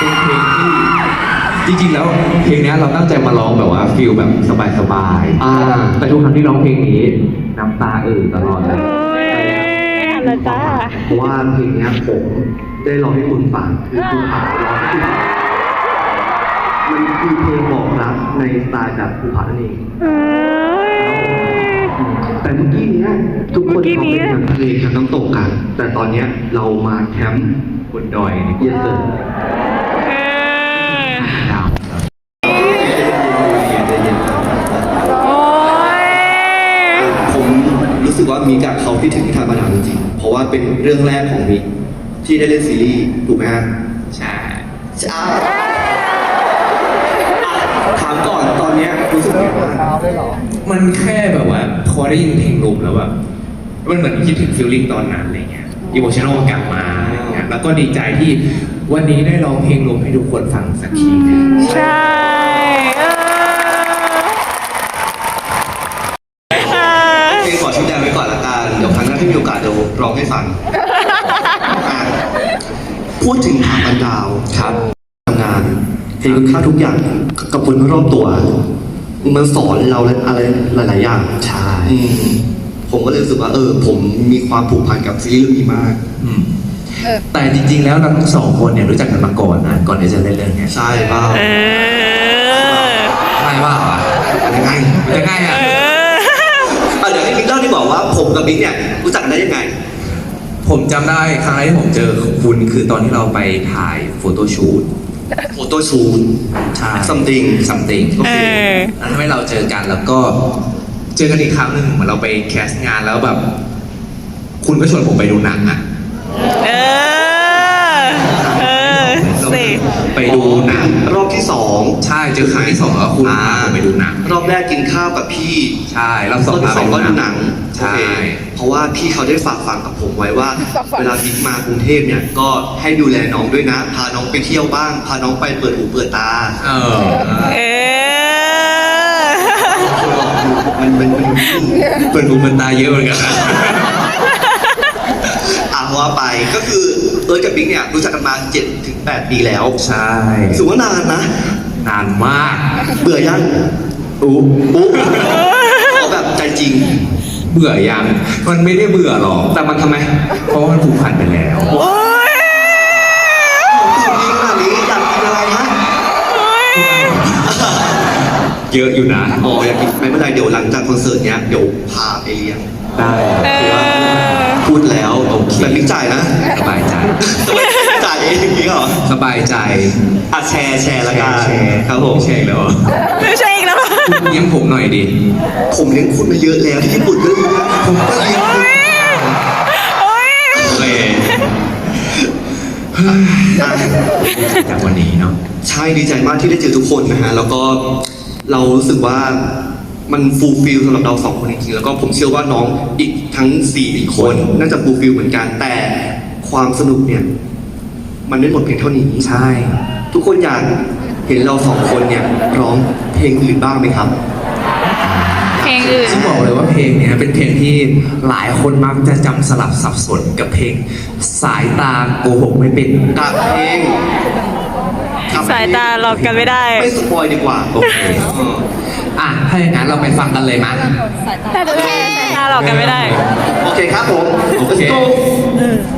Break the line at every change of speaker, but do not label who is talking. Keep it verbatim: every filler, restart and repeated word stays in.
เป็นเพลงที่จริงๆแล้วเพลงนี้เราตั้งใจมาร้องแบบว่าฟีลแบบสบายๆอ่าแต่ทุกครั้งที่ร้องเพลงนี้น้ำตาเอ่อตลอดเลย
แล้วจ้า
เพราะว่าเพลงนี้ผมได้ร้องให้คุณฟังคือคุณผาร้องให้คุณฟังมันคือเพลงบอกรักในสไตล์แบบภูผานั่นเองแต่เมื่อกี้เนี้ยทุกคนเขาเป็นทางทะเลทางน้ำตกกันแต่ตอนเนี้ยเรามาแคมป์บนดอยเยสเซอร์ดาวผมรู้สึกว่ามิกอะเขาคิดถึงนิทานมาดามจริงๆเพราะว่าเป็นเรื่องแรกของมิกที่ได้เล่นซีรีส์ถูกไหมฮะใช่ใช่ถามก่อนตอนเนี้ยรู้สึกยังไงบ้าง
มันแค่แบบว่าพอได้ยินเพลงลมแล้วแบบมันเหมือนคิดถึงฟีลลิ่งตอนนั้นอะไรเงี้ยอิโมชันอลกลับมาอะไรเงี้ยแล้วก็ดีใจที่วันนี้ได้ร้องเพลงลมให้ทุกคนฟังสักที
ใช่
เพลงขอชี้แจงไว้ก่อนละกันเดี๋ยวครั้งหน้าที่มีโอกาสเดี๋ยวร้องให้ฟังพูดถึงทางบันดาวครับทำงานเห็นคุณค่าทุกอย่างกับคนรอบตัวมันสอนเราอะไรหลายๆอย่างใช่ผมก็เลยรู้สึกว่าเออผมมีความผูกพันกับซีรีส์เรื่องนี้มาก
แต่จริงๆแล้วเราทั้งสองคนเนี่ยรู้จักกันมาก่อนนะก่อนที่จะเล่นเรื่องนี้
ใช่เปล่า
ใช่เปล่าอ่ะ
ยังไง
ยังไงอ่ะ
เดี๋ยวให้บิ๊กเล่าที่บอกว่าผมกับบิ๊กเนี่ยรู้จักกันได้ยังไง
ผมจำได้ครั้งแรกที่ผมเจอคุณคือตอนที่เราไปถ่ายโฟโต้ชูต
โฟโต้ชูต
ใช่
something
something โอเคแล้วทำให้เราเจอกันแล้วก็เจอกันอีกครั้งหนึ่งเหมือนเราไปแคสต์งานแล้วแบบคุณก็ชวนผมไปดูหนังอ่ะ
เออเออสิ
ไปดูหนัง
รอบที่สอง
ใช่เจอครั้งที่สองแล้วคุณพาผมไปดูหนัง
รอบแรกกินข้าวกับพี่
ใช่รอบสอง
รอบสองก็ดูหนัง
ใช่
เพราะว่าพี่เขาได้ฝากฝังกับผมไว้ว่าเวลาบิ๊กมากรุงเทพเนี่ยก็ให้ดูแลน้องด้วยนะพาน้องไปเที่ยวบ้างพาน้องไปเปิดหูเปิดตา
เออ
เออ
มันเป็น
เปิดหูเปิดตาเยอะเหมือนกันนะ
อ่ะว่าไปก็คือเอิร์ธกับบิ๊กเนี่ยรู้จักกันมาเจ็ดถึงแปดปีแล้ว
ใช่
ถือว่านานนะ
นานมาก
เบื่อยัง
อุ๊
อุ๊เอาแบบใจจริง
เบื่อยังมันไม่ได้เบื่อหรอกแต่มันทำไมเพราะมันผูกพันไปแล้ว
จริงขนาดนี้อยากกินอะไรฮะ
เยอะอยู่นะ
อ๋ออยากกินไม่เป็นไรเดี๋ยวหลังจากคอนเสิร์ตเนี้ยเดี๋ยวพาไปเลี้ยง
ได้
พูดแล้วแต่บิ๊กจ่ายนะ
สบายใจ
จ่ายเองจริงเหรอ
สบายใจ
อ่ะแชร์แชร์ละกันครับผม
แชร์แล้ว
ไม่ใช่อีกแล้ว
คุณเลี้ยงผมหน่อยดิ
ผมเลี้ยงคุณมาเยอะแล้วที่ญี่ปุ่นก็เลี้ยงผมก็เลี้ยงคุณ
เลยจากวันนี้เนาะ
ใช่ดีใจมากที่ได้เจอทุกคนนะฮะแล้วก็เรารู้สึกว่ามันฟูลฟิลสำหรับเราสองคนจริงๆแล้วก็ผมเชื่อว่าน้องอีกทั้งสี่คนน่าจะฟูลฟิลเหมือนกันแต่ความสนุกเนี่ยมันไม่หมดเพียงเท่านี้
ใช่
ทุกคนอยากเห็นเราสองคนเนี่ยร้องเพลงอื่นบ้างไหมครับ
เพลงอื่น
ซึ่งบอกเลยว่าเพลงเนี้ยเป็นเพลงที่หลายคนมักจะจำสลับสับสนกับเพลงสายตาโกหกไม่เป็น
กับเพลง
สายตาหลอกกันไม่ได้
ไม่สปอยดีกว่า
โอเคอ่ะถ้าอย่างนั้นเราไปฟังกันเลยมั้ย
แต่เพลงสายตาหลอกกันไม่ได้
โอเคครับผม
โอเค